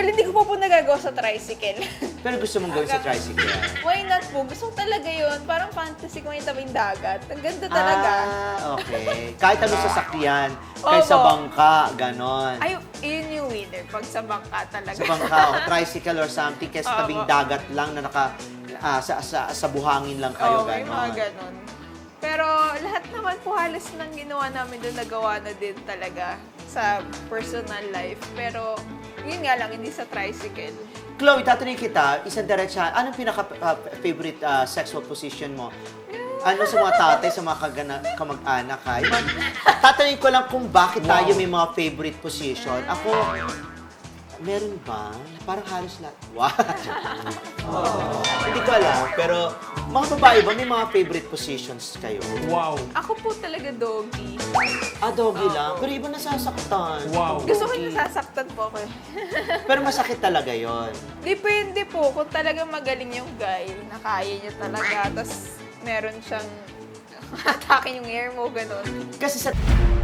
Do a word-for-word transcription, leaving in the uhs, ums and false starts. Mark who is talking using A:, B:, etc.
A: Well, hindi ko pa po nagagawa sa tricycle.
B: Pero gusto mong gawin sa tricycle?
A: Why not po? Gusto ko talaga yun. Parang fantasy ko yung tabing dagat. Ang ganda talaga.
B: Ah, okay. Kahit ano sasakyan, kahit sa
A: Opo.
B: bangka, ganon.
A: Ay, yun yung winner. Pag sa bangka talaga.
B: Sa bangka o tricycle or something, kaya sa tabing
A: Opo.
B: dagat lang na naka, ah, sa, sa, sa buhangin lang kayo,
A: Oo, may mga
B: ganon.
A: ganon. Pero lahat naman po halos nang ginawa namin doon, nagawa na din talaga sa personal life. Pero yun nga lang, hindi sa tricycle.
B: Chloe, tatanungin kita, isang diretsa, anong pinaka-favorite sexual position mo? Ano sa mga tatay, sa mga kagana, kamag-anak, ha? Iba, tatanungin ko lang kung bakit tayo may mga favorite position. Ako, meron ba? Parang halos lahat. Wow! Hindi ko alam, pero mga babae ba may mga favorite positions kayo?
C: Wow.
A: Ako po talaga doggy.
B: Ah, doggy lang. Pero iba nasasaktan.
C: Wow.
A: Gusto ko
B: Doggy.
A: yung nasasaktan po ako. eh.
B: Pero masakit talaga yon.
A: Depende po kung talagang magaling yung guy, na kaya niya talaga, tapos meron siyang atake yung hair mo, ganun.
B: Kasi sa